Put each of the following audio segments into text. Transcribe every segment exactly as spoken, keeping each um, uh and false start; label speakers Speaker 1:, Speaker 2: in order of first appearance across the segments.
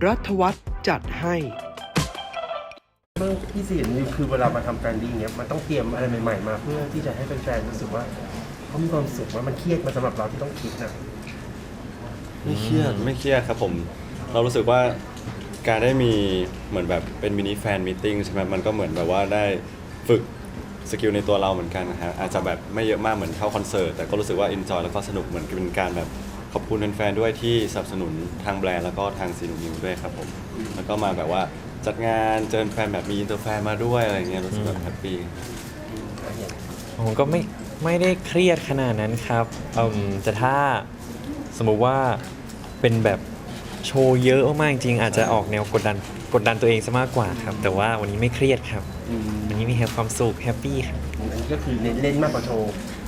Speaker 1: รัฐวัฒน์จัดให้
Speaker 2: เรื่องที่สี่นี่คือเวลามาทำแฟนดิ้งเนี้ยมันต้องเตรียมอะไรใหม่ๆมาเพื่อที่จะให้แฟนๆรู้สึกว่าเขามีความสุขว่ามันเครียดมาสำหรับเราที่ต้องคิดนะ
Speaker 3: ไม่เครียดไม่เครียดครับผมเรารู้สึกว่าการได้มีเหมือนแบบเป็นมินิแฟนมีตติ้งใช่ไหมมันก็เหมือนแบบว่าได้ฝึกสกิลในตัวเราเหมือนกันนะฮะอาจจะแบบไม่เยอะมากเหมือนเข้าคอนเสิร์ตแต่ก็รู้สึกว่าเอนจอยแล้วก็สนุกเหมือนเป็นการแบบขอบคุณแฟนๆด้วยที่สนับสนุนทางแบรนด์แล้วก็ทางซีนูนิวด้วยครับผมแล้วก็มาแบบว่าจัดงานเจอแฟนแบบมีอินเตอร์แฟนมาด้วยอะไรเงี้ยรู้สึกแบบแฮปปี้
Speaker 4: ผมก็ไม่ไม่ได้เครียดขนาดนั้นครับอืมแต่ถ้าสมมุติว่าเป็นแบบโชว์เยอะมากๆจริงๆอาจจะออกแนวกดดันกดดันตัวเองซะมากกว่าครับแต่ว่าวันนี้ไม่เครียดครับวันนี้มีความสุขแฮปปี้ครับ
Speaker 2: อันนี้ก็คือเน้นเล่นมากกว่าโชว์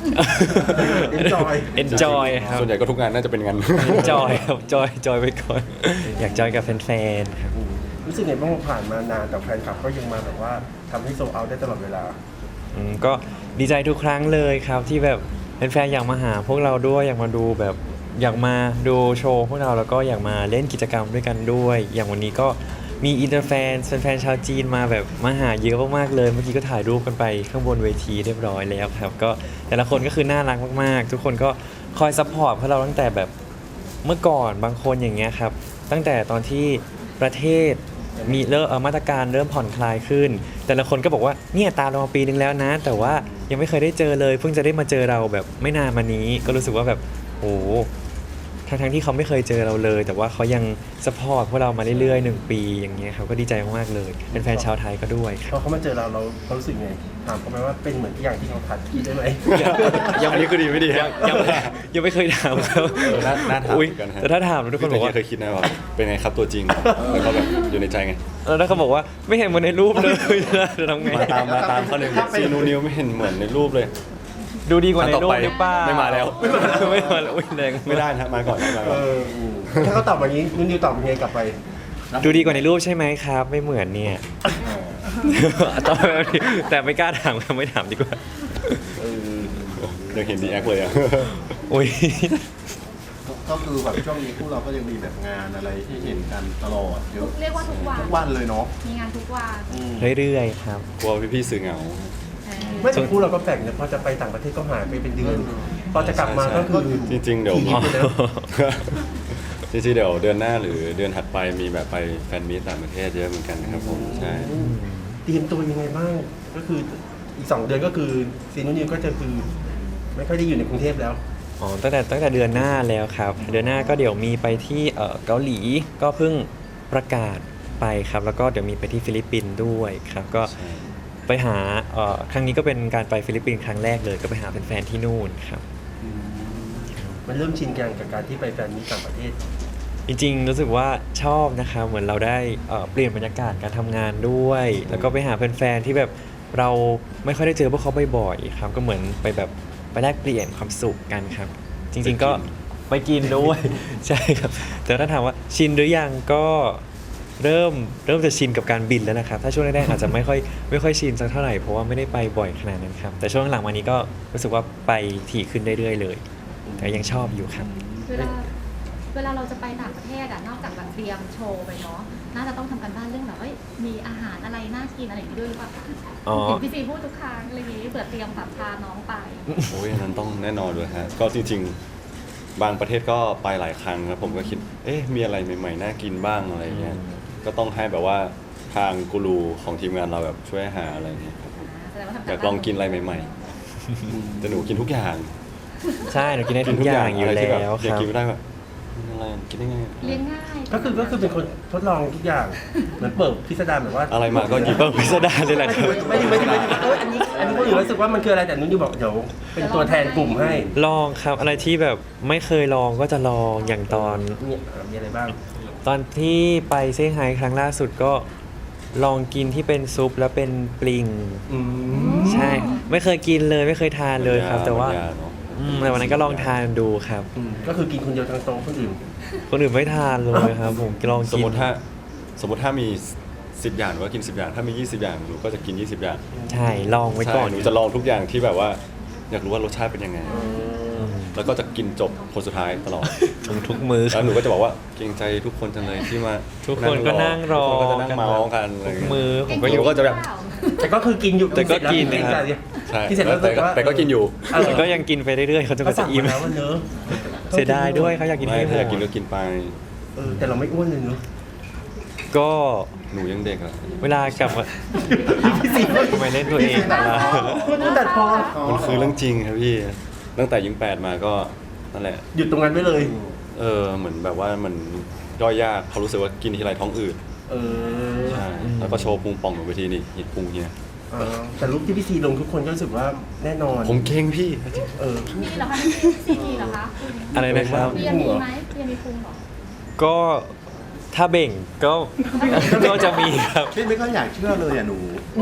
Speaker 2: enjoy
Speaker 4: enjoy ครับ
Speaker 3: ส่วนใหญ่ก็ทุกงานน่าจะเป็นงาน
Speaker 4: enjoy ครับจอยจอยไปก่อนอยากจอยกับแฟนๆครับ
Speaker 2: อืมรู้สึกไงบ้างว่าผ่านมานานแต่แฟนคลับก็ยังมาแบบว่าทำให้โซลเอาท์ได้ตลอดเวลา
Speaker 4: อืมก็ดีใจทุกครั้งเลยครับที่แบบแฟนๆอยากมาหาพวกเราด้วยอยากมาดูแบบอยากมาดูโชว์พวกเราแล้วก็อยากมาเล่นกิจกรรมด้วยกันด้วย อย่างวันนี้ก็มีอินเตอร์แฟนแฟนๆชาวจีนมาแบบมาหาเยอะมากๆเลยเมื่อกี้ก็ถ่ายรูปกันไปข้างบนเวทีเรียบร้อยแล้วครับก็แต่ละคนก็คือน่ารักมากๆ ทุกคนก็คอยซัพพอร์ตพวกเราตั้งแต่แบบเมื่อก่อนบางคนอย่างเงี้ยครับตั้งแต่ตอนที่ประเทศมีเริ่มเอ่อมาตรการเริ่มผ่อนคลายขึ้น แต่ละคนก็บอกว่าเนี่ยตามเรามาปีนึงแล้วนะ แต่ว่ายังไม่เคยได้เจอเลยเพิ่งจะได้มาเจอเราแบบไม่นานมานี้ก็รู้สึกว่าแบบโอ้ทั้งทั้งๆที่เขาไม่เคยเจอเราเลย แต่ว่าเขายังสปอร์ตพวกเรามาเรื่อยๆหนึ่งปีอย่างเงี้ยครับก็ดีใจมากๆเลยเป็นแฟนชาวไทยก็ด้วยค
Speaker 2: พ
Speaker 4: รั
Speaker 2: อบ เขามาเจอเราเราเขารู้สึกไงถามเขาไหมว่าเป็นเหมือนอย่างที่เขาคัดคิดได้ไหม
Speaker 3: ยังอันนี้คือดีไม่ดี
Speaker 4: ยังยังยังไม่เคยถามเขา
Speaker 3: เออน่าน่าถาม
Speaker 4: อุ๊ย
Speaker 3: เหมือนกันฮะ
Speaker 4: แต่ถ้าถามทุกคนบอกว่า
Speaker 3: เคยคิดนะว่าเป็นไงครับตัวจริงแล้วก็แบบอยู่ในใจไง
Speaker 4: แล้วถ้าเขาบอกว่าไม่เห็นเหมือนในรูปเลยจะทำไง
Speaker 3: มาตามมาตามเขาหนึ่งซีนูนิวไม่เห็นเหมือนในรูปเลย
Speaker 4: ดูดีกว่าในรูป
Speaker 3: อันต่อไป
Speaker 4: หรือเปล่า
Speaker 3: ไม่มาแล้ว
Speaker 4: ไม่มาแล้วไม่มาแล้วอุ๊ยแรง
Speaker 3: ไม่ได้นะมาก่อนมา
Speaker 2: เอ
Speaker 3: ก่อน
Speaker 2: ออืมถ้าเขาตอบแบบนี้นุ่นนิวตอบยังไงกลับไป
Speaker 4: ดูดีกว่าในรูปใช่ไหมครับ ไม่เหมือนเนี่ยตอบแบบนี้แต่ไม่กล้าถามครับไม่ถามดีกว่า
Speaker 2: เออ
Speaker 3: เดี๋ยวเห็นดีแอคเลยอ่ะ
Speaker 4: อุ้ย
Speaker 5: ก็คือแบบช่วงนี้พวกเราก็ยังมีแบบงานอะไรที่เห็นกันตลอดเยอะ
Speaker 6: เรียกว่าทุกวัน
Speaker 5: ทุกวันเลยเนาะ
Speaker 6: มีงานทุกวัน
Speaker 5: อืม
Speaker 4: เรื่อยๆครับ
Speaker 3: กลัวพี่ๆสื่อเหงา
Speaker 6: เออ
Speaker 2: ไม่แต่คู่เราก็แปลกเนี่ยพอจะไปต่างประเทศก็หายไปเป็นเดือนพอจะกลับมาก็คือ
Speaker 3: จริงๆเดี๋ยว
Speaker 2: ขี่ไปแล้ว
Speaker 3: จริงๆเดี๋ยวเดือนหน้าหรือเดือนถัดไปมีแบบไปแฟนมีตต่างประเทศเยอะเหมือนกันนะครับผมใช่
Speaker 2: เตรียมตัวยังไงบ้างก็คืออีกสองเดือนก็คือซีนุ่นนิวก็จะคือไม่ค่อยได้อยู่ในกรุงเทพแล้ว
Speaker 4: อ๋อตั้งแต่ตั้งแต่เดือนหน้าแล้วครับ เดือนหน้าก็เดี๋ยวมีไปที่เอ่อเกาหลีก็เพิ่งประกาศไปครับ แล้วก็เดี๋ยวมีไปที่ฟิลิปปินส์ด้วยครับ ก็
Speaker 3: ใช่
Speaker 4: ไปหาเอ่อครั้งนี้ก็เป็นการไปฟิลิปปินส์ครั้งแรกเลย ก็ไปหาแฟนๆที่นู่นครับ
Speaker 2: มันเริ่มชินกันกับการที่ไปแฟนมีตต่างประเทศ
Speaker 4: จริงๆรู้สึกว่าชอบนะครับเหมือนเราได้เอ่อเปลี่ยนบรรยากาศการทำงานด้วย แล้วก็ไปหาแฟนๆที่แบบเราไม่ค่อยได้เจอพวกเขาบ่อยๆครับก็เหมือนไปแบบไปแลกเปลี่ยนความสุขกันครับ จริงๆก็ไปกินด้วย ใช่ครับแต่ถ้าถามว่าชินหรือยังก็เริ่มเริ่มจะชินกับการบินแล้วนะครับถ้าช่วงแรกๆอาจจะไม่ค่อยไม่ค่อยชินสักเท่าไหร่เพราะว่าไม่ได้ไปบ่อยขนาดนั้นครับแต่ช่วงหลังมานี้ก็รู้สึกว่าไปถี่ขึ้นเรื่อยๆเลยแต่ยังชอบอยู่ครับ
Speaker 6: เวลาเวลาเราจะไปต่างประเทศอะนอกจากแบบเตรียมโชว์ไปเนาะน่าจะต้องทำกันบ้านเรื่องแบบเอ้ยมีอาหารอะไรน่ากินอะไรอย่างนี้ด้วยหรือเปล่าคะ
Speaker 4: อ๋อ
Speaker 6: เห็นพี่ซีพูดทุกครั้งอะไรอย่างนี้เผื่อเตรียมแบบพาน้องไป
Speaker 3: โอ้ยอันนั้นต้องแน่นอนเลยฮะก็จริงๆ บางประเทศก็ไปหลายครั้งครับผมก็คิดเอ๊ะมีอะไรใหม่ๆน่ากินบ้างอะไรเงี้ยก็ต้องให้แบบว่าทางกูรูของทีมงานเราแบบช่วยหาอะไรเงี้ยครับผม
Speaker 6: แสดงว่าทำ
Speaker 3: อยากลองกินอะไรใหม่ๆแต่หนูกินทุกอย่าง
Speaker 4: ใช่หนูกินได้ทุกอย่างอยู่
Speaker 3: อะไรที่แบบ
Speaker 4: แล้วค
Speaker 3: อยาก
Speaker 4: รับ
Speaker 3: กินไม่ได้แบบอะไรกินได้ไง
Speaker 6: เลี้ยงง่าย
Speaker 2: ก็คือก็คือเป็นคนทดลองทุกอย่างเหมือนเปิดพิสดารแบบว่า
Speaker 3: อะไรมาก็หยิบ
Speaker 4: เปิดพิสดารเลยแหละครับ
Speaker 2: ไม่ได้ไม่ได้ไม่ได้เอออันนี้อันนี้คนอื่นรู้สึกว่ามันคืออะไรแต่นุ่นนิวบอกเดี๋ยวเป็นตัวแทนกลุ่มให้
Speaker 4: ลองครับอะไรที่แบบไม่เคยลองก็จะลองอย่างตอน
Speaker 2: เนี่ยอ่ะมีอะไรบ้าง
Speaker 4: ตอนที่ไปเซี่ยงไฮ้ครั้งล่าสุดก็ลองกินที่เป็นซุปแล้วเป็นปลิง
Speaker 2: อืม
Speaker 4: ใช่ ไม่เคยกินเลยไม่เคยทานเลยครับ แต่ว่า
Speaker 3: บรรยเนอะ
Speaker 4: อืมแต่วันนั้นก็ลองทานดูครับ
Speaker 2: อืมก็คือกินคนเดียวทั้งโต๊ะคนอื่น
Speaker 4: คนอื่นไม่ทานเลยครับ ผมลอง
Speaker 3: สม
Speaker 4: กิน
Speaker 3: มติถ้าสมมติถ้ามีสิบอย่างหนูก็กินสิบอย่างถ้ามียี่สิบอย่างหนูก็จะกินยี่สิบอย่าง
Speaker 4: ใช่ลองไว้ก่อน
Speaker 3: ใช่หนูจะลองทุกอย่างที่แบบว่า อยากรู้ว่ารสชาติเป็นยังไง
Speaker 4: อืม
Speaker 3: แล้วก็จะกินจบคนสุดท้ายตลอด
Speaker 4: ทุกทุกมือค
Speaker 3: แล้
Speaker 4: รับ
Speaker 3: วหนูก็จะบอกว่าเกรงใจทุกคนจังเลยที่มา
Speaker 4: ทุกคนก็นั่งรอ
Speaker 3: ทุกคนก็จะนั่งเมาส์กันอะไร
Speaker 4: ทุ
Speaker 3: ย่าง
Speaker 4: ก
Speaker 3: เงี้ย
Speaker 4: มือผม
Speaker 3: ก็
Speaker 4: ก็
Speaker 3: อ
Speaker 4: อยู่ ยู่
Speaker 3: ก็จะแบบ
Speaker 2: แต่ก็คือกินอยู่
Speaker 4: แต่ก็กิน
Speaker 2: เสร็จ
Speaker 4: นะครับ
Speaker 2: แล้ว
Speaker 3: ใช่
Speaker 2: ที่เสร็จแล้ว
Speaker 3: แต่ก็
Speaker 2: รู้สึว่า
Speaker 3: แต่ก็กินอยู่
Speaker 2: เออ
Speaker 4: แต่ก็ยังกินไปเรื่อยๆเขาจะ
Speaker 2: ก็
Speaker 4: ก็
Speaker 2: สั่
Speaker 4: จะ
Speaker 2: ง
Speaker 4: อิ่ม
Speaker 2: มาแล้วว่าเนอะ
Speaker 4: เสียดายด้วยเขาอยากกิน
Speaker 3: ไม่
Speaker 4: ให้หม
Speaker 3: ถ้าอ
Speaker 4: ด
Speaker 3: ยากกินก็กินไป
Speaker 2: เออแต่เราไม่อ้วนเลยเนอะ
Speaker 4: ก็
Speaker 3: หนูยังเด็กอะ
Speaker 4: เวลากลับมา
Speaker 2: พี่ซี
Speaker 4: ทำไมเล่นตัวเองล่ะ
Speaker 2: มันตัดพอ
Speaker 3: มันคือเรื่องจริงครับพี่ ตั้งแต่ยิงแปดมาก็นั่นแหละ
Speaker 2: หยุดตรงนั้นไว้เลย
Speaker 3: เออเหมือนแบบว่ามันย่อยยากเขารู้สึกว่ากินทีไรท้องอืด
Speaker 2: เออ
Speaker 3: ใช่แล้วก็โชว์พุงป่องหนูไปทีนี่เห็นพุงเฮีย
Speaker 2: เออแต่รูปที่พี่ซีลงทุกคนก็รู้สึกว่าแน่นอน
Speaker 3: ผมเก่งพี่
Speaker 2: เออ
Speaker 6: มีเหรอคะพี่ซีมีเหรอคะ
Speaker 4: อะไรนะครับ
Speaker 6: เบียร์มีไหมเบียร์มีพุงเหรอ
Speaker 4: ก็ถ้าเบ่งก็ ก็จะมีครับ
Speaker 5: พี่ไม่ค่อยอยากเชื่อเลยอ่ะหนู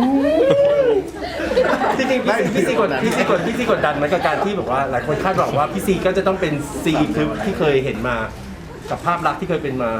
Speaker 2: จริงๆพี่ซีพี่ซีกดพี่ซีกดพี่ซีกดดันไหมกับการที่แบบว่าหลายคนคาดหวังว่าพี่ซีก็จะต้องเป็นซีคือที่เคยเห็นมากับภาพลักษณ์ที่เคยเป็นมา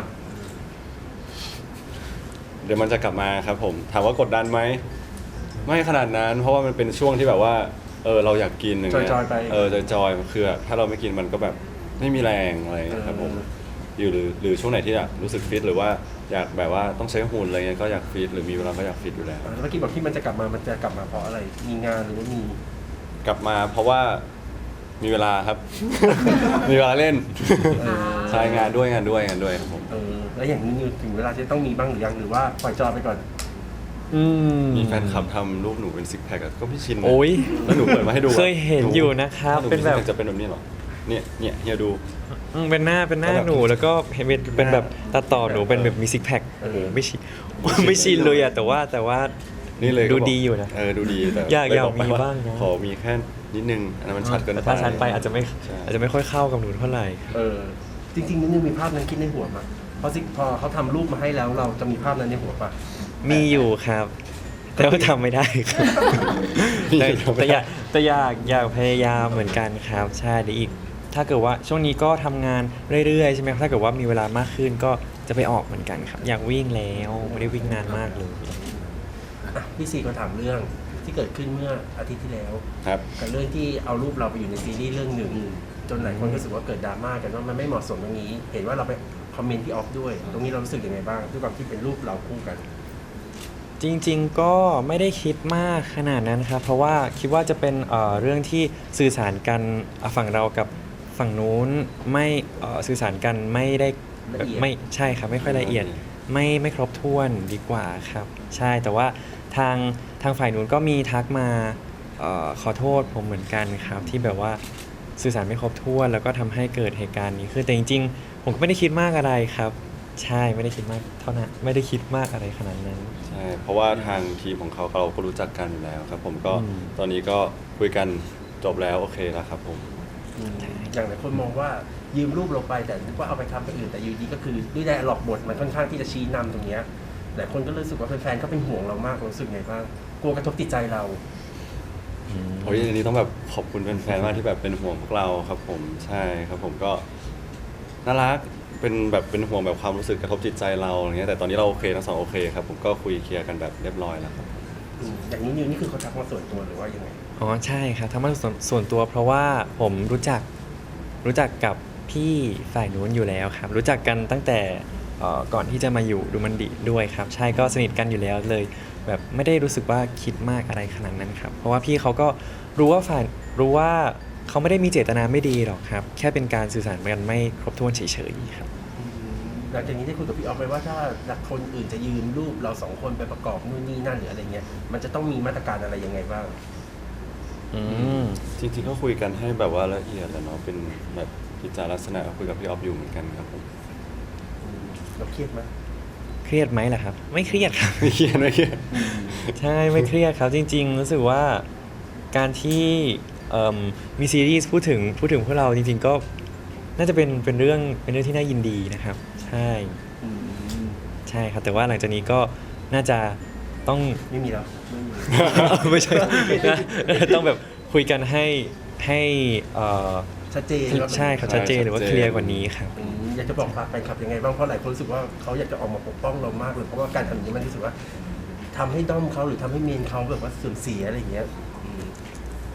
Speaker 3: เดี๋ยวมันจะกลับมาครับผม ถามว่ากดดันไหมไม่ขนาดนั้น เพราะว่ามันเป็นช่วงที่แบบว่าเออเราอยากกินอย่างเงี้ย
Speaker 2: จอยๆไป
Speaker 3: เออจอยๆคือถ้าเราไม่กินมันก็แบบไม่มีแรงอะไรอย่างเงี้ยครับผมอยู่หรือหรือช่วงไหนที่อยากรู้สึกฟิตหรือว่าอยากแบบว่าต้องใช้หุ่นอะไรเงี้ยก็อยากฟิตหรือมีเวลาก็อยากฟิตอยู่แล้ว
Speaker 2: อ่าแล้วเมื่อกี้บอกที่มันจะกลับมามันจะกลับมาเพราะอะไร มีงานหรือว่ามี
Speaker 3: กลับมาเพราะว่ามีเวลาครับ มีเวลาเล่น
Speaker 2: เออ
Speaker 3: ใช่งานด้วยงานด้วยงานด้วยครับผม
Speaker 2: เออแล้วอย่างนี้ถึงเวลาจะต้องมีบ้างหรือยังหรือว่าปล่อยจอยไปก่อน
Speaker 4: อืม
Speaker 3: มีแฟนคลับทำรูปหนูเป็นซิกแพคก็พี่ชินนะ
Speaker 4: โอ้ย
Speaker 3: แล้วหนูเปิดมาให้ดูอะ
Speaker 4: เคยเห็นอยู่นะครับ
Speaker 3: หนู
Speaker 4: เป็นแบบ
Speaker 3: จะเป็นแบบนี้เหรอเนี่ยเนี่ยเฮียดู
Speaker 4: อืมเป็นหน้าเป็นหน้าหนูแล้วก็เห็นเป็นเป็นแบบตัดต่อหนูเป็นแบบมีซิกแพคโอ้โหไม่ชินไม่ชินเลยอะแต่ว่าแต่ว่า
Speaker 3: นี่เลย
Speaker 4: ดู
Speaker 3: ก็บก
Speaker 4: ดีอยู่นะ
Speaker 3: เออดูดีแต่
Speaker 4: อยาก
Speaker 3: เลย
Speaker 4: อยาก
Speaker 3: ไป
Speaker 4: มี
Speaker 3: ว่
Speaker 4: บ้างนะ
Speaker 3: ขอมีแค่นิดนึงอันนั้นมันชัดเกิน
Speaker 4: แต่
Speaker 3: ไป
Speaker 4: ถ้าชัดไปอาจจะไม่
Speaker 3: ใช่
Speaker 4: อาจจะไม่ค่อยเข้ากับหนูเท่าไหร่
Speaker 2: เออ จริงๆนิดนึงมีภาพนั้นคิดในหัวมาพอซิพอเขาทำรูปมาให้แล้วเราจะมีภาพนั้นในหัวปะ
Speaker 4: มีอยู่ครับ แต่ว่าทำไม่ได้ครับ
Speaker 3: มี
Speaker 4: แต่
Speaker 3: อยู่
Speaker 4: แต่อยากแต่อยากอยากพยายามเหมือนกันครับใช่เดี๋ยวอีก ถ้าเกิดว่าช่วงนี้ก็ทำงานเรื่อยๆใช่ไหมครับถ้าเกิดว่ามีเวลามากขึ้นก็จะไปออกเหมือนกันครับ อยากวิ่งแล้วไม่ได้วิ่งนานมากเลย
Speaker 2: อ่ะพี่ซีก็ถามเรื่องที่เกิดขึ้นเมื่ออาทิตย์ที่แล้ว
Speaker 3: ครับ
Speaker 2: กับเรื่องที่เอารูปเราไปอยู่ในซีรีส์เรื่องหนึ่งจนหลายคนรู้สึกว่าเกิดดราม่ากันว่ามันไม่เหมาะสมตรงนี้ เห็นว่าเราไปคอมเมนต์ที่ออฟด้วย ตรงนี้เรารู้สึกยังไงบ้างด้วยความที่เป็นรูปเราคู่กัน
Speaker 4: จริงๆก็ไม่ได้คิดมากขนาดนั้นครับ เพราะว่าคิดว่าจะเป็นเอ่อเรื่องที่สื่อสารกันอ่ะฝั่งเรากับฝั่งนู้นไม่เอ่อสื่อสารกันไม่ได้
Speaker 2: ละเอียด
Speaker 4: ไม่ใช่ครับไม่ค่อยละเอียด ไม่ไม่ครบถ้วนดีกว่าครับ ใช่แต่ว่าทางทางฝ่ายนู้นก็มีทักมาเออขอโทษผมเหมือนกันครับ ที่แบบว่าสื่อสารไม่ครบถ้วน แล้วก็ทำให้เกิดเหตุการณ์นี้ขึ้นแต่จริงๆ ผมก็ไม่ได้คิดมากอะไรครับ ใช่ไม่ได้คิดมากเท่านั้นไม่ได้คิดมากอะไรขนาดนั้น
Speaker 3: ใช่เพราะว่าทางทีมของเขาเราก็รู้จักกันอยู่แล้วครับ ผมก็
Speaker 4: อืม
Speaker 3: ตอนนี้ก็คุยกันจบแล้วโอเคแล้วครับผม
Speaker 2: อย่างหลายคนมองว่ายืมรูปเราไปแต่นึกว่าเอาไปทำเป็นอื่นแต่อยูดีก็คือด้วยได้หลอกบทมันค่อนข้างที่จะชี้นำตรงเนี้ยหลายคนก็รู้สึกว่าแฟนๆก็เป็นห่วงเรามากรู้สึกไงบ้างกลัวกระทบจิตใจเรา
Speaker 3: โอ้ยอันนี้ต้องแบบขอบคุณแฟนๆมากที่แบบเป็นห่วงพวกเราครับผมใช่ครับผมก็น่ารักเป็นแบบเป็นห่วงแบบความรู้สึกกระทบจิตใจเราอย่างเงี้ยแต่ตอนนี้เราโอเคทั้งสองโอเคครับผมก็คุยเคลียร์กันแบบเรียบร้อยแล้วครับ
Speaker 2: อืมอย่างนี้นิวนี่คือเขาทักมาส่วนตัวหรือว่ายังไง
Speaker 4: อ๋อใช่ครับทำมาส่วนส่วนตัวเพราะว่าผมรู้จักรู้จักกับพี่ฝ่ายนู้นอยู่แล้วครับ รู้จักกันตั้งแต่เอ่อก่อนที่จะมาอยู่ดูมันดีด้วยครับ ใช่ก็สนิทกันอยู่แล้วเลย แบบไม่ได้รู้สึกว่าคิดมากอะไรขนาดนั้นครับ เพราะว่าพี่เขาก็รู้ว่าฝ่ายรู้ว่าเขาไม่ได้มีเจตนาไม่ดีหรอกครับ แค่เป็นการสื่อสารกันไม่ครบถ้วนเฉยๆครับ
Speaker 2: หลังจากนี้ได้คุยกับพี่ออฟไปว่าถ้าคนอื่นจะยืมรูปเราสองคนไปประกอบนู่นนี่นั่นหรืออะไรเงี้ยมันจะต้องมีมาตรการอะไรยังไงบ้าง
Speaker 4: อืม
Speaker 3: จริงๆก็คุยกันให้แบบว่าละเอียดแหล้วเนาะเป็นแบบกิจลักษณะคุยกับพี่ออฟอยู่เหมือนกันครับผม
Speaker 2: อืมเราเครียดไหม
Speaker 4: เครียดไหมล่ะครับ ไม่เครียดครับ
Speaker 3: ไม่เครียดไม่เครียด
Speaker 4: ใช่ไม่เครียดครับจริง ๆ รู้สึกว่าการที่เอิ่มมีซีรีส์พูดถึงพูดถึงพวกเราจริง ๆ ก็น่าจะเป็นเป็นเรื่องเป็นเรื่องที่น่ายินดีนะครับ ใช่
Speaker 2: อืม
Speaker 4: ใช่ครับ แต่ว่าหลังจากนี้ก็น่าจะต้อง
Speaker 2: ไม่มีแล้วไม่มี
Speaker 4: ไม่ใช่นะต้องแบบคุยกันให้ให้เอ่อ
Speaker 2: ชัดเจนว่า
Speaker 4: ใช่ครับชัดเจนหรือว่าเคลียร์กว่านี้ครับ
Speaker 2: อืมอยากจะบอกฝากแฟนคลับยังไงบ้างเพราะหลายคนรู้สึกว่าเขาอยากจะออกมาปกป้องเรามากเลยเพราะว่าการทำอย่างนี้มันรู้สึกว่าทำให้ด้อมเขาหรือทำให้เมนเขาแบบว่าเสื่อมเสียอะไรอย่างเงี้ยอืม
Speaker 4: ผ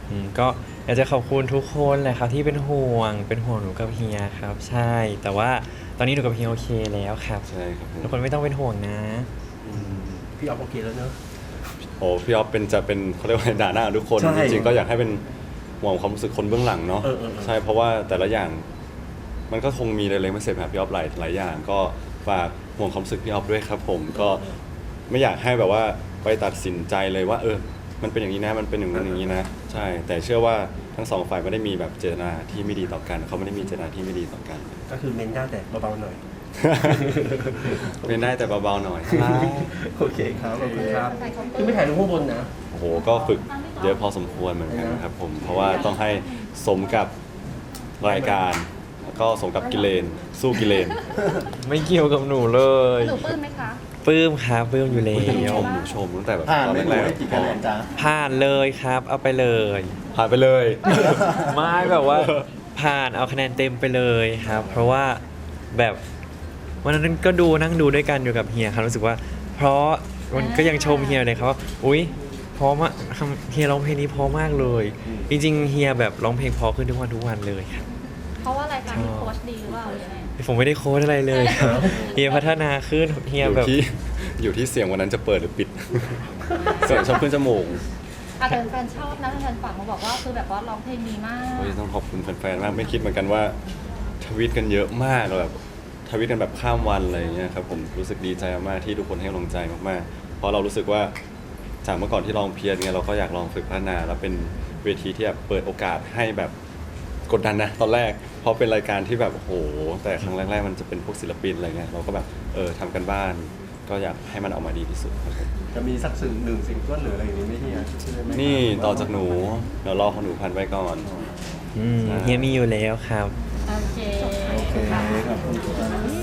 Speaker 4: อืมก็อยากจะขอบคุณทุกคนเลยครับที่เป็นห่วงเป็นห่วงหนูกับเฮียครับ ใช่ แต่ว่าตอนนี้หนูกับเฮียโอเคแล้วครับ
Speaker 3: ใช่ครับผม
Speaker 4: ทุกคนไม่ต้องเป็นห่วงนะ
Speaker 2: พี่ออฟโอเคแล้วเนอะ
Speaker 3: โอ้พี่ออฟเป็นจะเป็นเขาเรียกว่าด่าหน้าทุกคน
Speaker 2: ใช่
Speaker 3: จริงๆก็อยากให้เป็นห่วงความรู้สึกคนเบื้องหลังเนาะ
Speaker 2: เออเออเออ
Speaker 3: ใช่เพราะว่าแต่ละอย่าง มันก็คงมีเล็กๆไม่เสร็จครับพี่ออฟหลายหลายอย่าง ก็ฝากห่วงความรู้สึกพี่ออฟด้วยครับผมก็ไม่อยากให้แบบว่าไปตัดสินใจเลยว่า เออ มันเป็นอย่างนี้นะมันเป็นอย่างนั้นอย่างนี้นะใช่ แต่เชื่อว่าทั้งสองฝ่ายไม่ได้มีแบบเจตนาที่ไม่ดีต่อกันเขาไม่ได้มีเจตนาที่ไม่ดีต่อกัน
Speaker 2: ก็คือเมนได้แต่เบาๆหน่อย
Speaker 3: เป็นได้แต่เบาๆหน่อย
Speaker 2: โอเคครับขอบคุณครับ
Speaker 6: ใส่เคาน์เตอร์
Speaker 2: คือไม่ถ่ายรูปข้างบนนะ
Speaker 3: โอ้โห ก็ฝึกเยอะพอสมควรเหมือนกันครับผม เพราะว่าต้องให้สมกับรายการ แล้วก็สมกับกิเลน สู้กิเลน
Speaker 4: ไม่เกี่ยวกับหนูเลย
Speaker 6: หนูปลื้มไหมคะ
Speaker 4: ปลื้มครับปลื้มอยู่แล้
Speaker 3: หนูช
Speaker 4: ว
Speaker 3: มหนูชมตั้งแต่แบบ
Speaker 5: ผ่าน
Speaker 3: ตอน
Speaker 5: ไม่
Speaker 3: แร
Speaker 5: รู้
Speaker 3: ก
Speaker 5: ได้กี่คะแนนจ้า
Speaker 4: ผ่านเลยครับ เอาไปเลย
Speaker 3: ๆผ่านไปเลย
Speaker 4: ไม่แบบว่าผ่านเอาคะแนนเต็มไปเลยครับ เพราะว่าแบบวันนั้นก็ดูนั่งดูด้วยกันอยู่กับเฮียครับรู้สึกว่า เพราะมันก็ยังชมเฮียเลยครับว่าอุ๊ยเพราะมากทำเฮียร้องเพลงนี้เพราะมากเลย จริงๆเฮียแบบร้องเพลงเพราะขึ้นทุกวันทุกวันเลยครับ
Speaker 6: เพราะว่าอะไรคะมีโค้ชดีหรือเปล่าหรือยังไง
Speaker 4: ผมไม่ได้โค้ดอะไรเลยครับเฮียพัฒนาขึ้นเฮี
Speaker 3: อย ยู่
Speaker 4: แบบ
Speaker 3: ที่อยู่ที่เสียงวันนั้นจะเปิดหรือปิด เสียงชอบขึ้นจมูก
Speaker 6: อ่ะแต่แฟนๆชอบนะแฟนๆฝากมาบอกว่าคือแบบว่าร้องเพลงดีมาก
Speaker 3: โอ้ยต้องขอบคุณแฟนๆมากไม่คิดเหมือนกันว่าทวิตกันเยอะมากแบบทวิตกันแบบข้ามวันอะไรอย่างเงี้ยครับผมรู้สึกดีใจมากๆที่ทุกคนให้กำลังใจมากๆเพราะเรารู้สึกว่าจากเมื่อก่อนที่ลองเพียรเนี่ยเราก็อยากลองฝึกพัฒนาแล้วเป็นเวทีที่แบบเปิดโอกาสให้แบบกดดันนะตอนแรกเพราะเป็นรายการที่แบบโอ้โหแต่ครั้งแรกๆมันจะเป็นพวกศิลปินอะไรเงี้ยเราก็แบบเออทำกันบ้าน ก็อยากให้มันออกมาดีที่สุดครับผม
Speaker 5: จะมีสักสิ่งหนึ่งสิ่งก้นหรืออะไรอย่างนี้ไหมเฮียช่วยไหม
Speaker 3: นี่ต่อจากหนูเดี๋ยวรอของหนูพันไว้ก่อน
Speaker 4: อืมเฮียมีอยู่แล้วครับ
Speaker 6: โอเค
Speaker 5: โอเคขอบคุณครับ